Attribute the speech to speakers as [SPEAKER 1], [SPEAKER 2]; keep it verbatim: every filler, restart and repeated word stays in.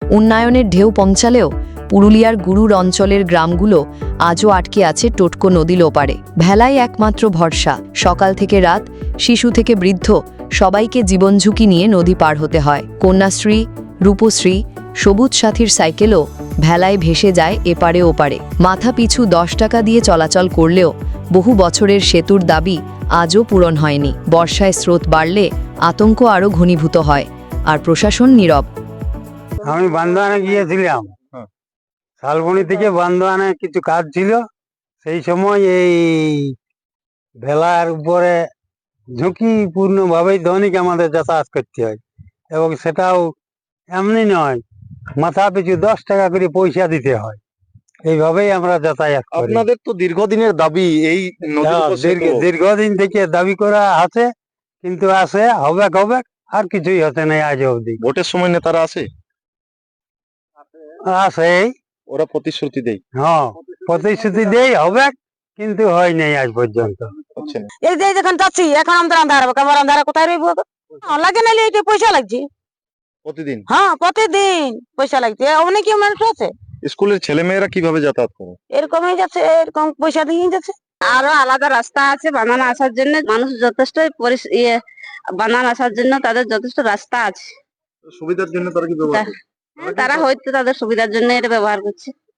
[SPEAKER 1] উন্নয়নের ঢেউ পৌঁছালেও পুরুলিয়ার গুরুর অঞ্চলের গ্রামগুলো আজও আটকে আছে টোটকো নদীর ওপারে। ভেলাই একমাত্র ভরসা। সকাল থেকে রাত, শিশু থেকে বৃদ্ধ, সবাইকে জীবন ঝুঁকি নিয়ে নদী পার হতে হয়। কন্যাশ্রী, রূপশ্রী, সবুজ সাথীর সাইকেলও ভেলায় ভেসে যায় এপারে ওপারে। মাথা পিছু দশ টাকা দিয়ে চলাচল করলেও বহু বছরের সেতুর দাবি আজও পূরণ হয়নি। বর্ষায় স্রোত বাড়লে আতঙ্ক আরও ঘনীভূত হয়, আর প্রশাসন নীরব।
[SPEAKER 2] আমি বান্দোয়ানে গিয়েছিলাম, শালবনি থেকে বান্দোয়ানে কিছু কাজ ছিল। সেই সময় এই ভেলার উপরে ঝুঁকিপূর্ণ ভাবেই দৈনিক আমাদের যাতায়াত করতে হয়, এবং সেটাও এমনি নয়, মাথা পিছু দশ টাকা করে পয়সা দিতে হয়। এইভাবেই আমরা যাতায়াত করি।
[SPEAKER 3] আপনাদের তো দীর্ঘদিনের দাবি এই নদীর উপর সেতু।
[SPEAKER 2] দীর্ঘ- দীর্ঘদিন থেকে দাবি করা আছে, কিন্তু আসে হবে হবে আর কিছুই হতে নেই আজ অবধি।
[SPEAKER 3] ভোটের সময় নেতারা আসে,
[SPEAKER 2] আসে,
[SPEAKER 3] ওরা প্রতিশ্রুতি দেয়,
[SPEAKER 2] হ্যাঁ প্রতিশ্রুতি দেই হবে, কিন্তু হয় নাই আজ পর্যন্ত।
[SPEAKER 3] হচ্ছে না।
[SPEAKER 4] এই যে যখন যাচ্ছি এখন আমাদের আন্ধার হবে, আমার আন্ধার কোথায় রইব? লাগে নাইলে এটা পয়সা লাগছে।
[SPEAKER 3] প্রতিদিন
[SPEAKER 4] হ্যাঁ প্রতিদিন পয়সা লাগছে। অনেকে মানুষ আছে
[SPEAKER 3] স্কুলের ছেলে মেয়েরা কিভাবে যাতায়াত করে?
[SPEAKER 4] এরকমই যাচ্ছে, এরকম পয়সা দিয়ে যাচ্ছে। আরো আলাদা রাস্তা আছে বানানো আসার জন্য, মানুষ যথেষ্ট পরিস- ইয়ে বানানো আসার জন্য তাদের যথেষ্ট রাস্তা আছে।
[SPEAKER 3] সুবিধার জন্য তারা কি ব্যবহার করে?
[SPEAKER 4] হ্যাঁ, তারা হয়তো তাদের সুবিধার জন্য এটা ব্যবহার করছে।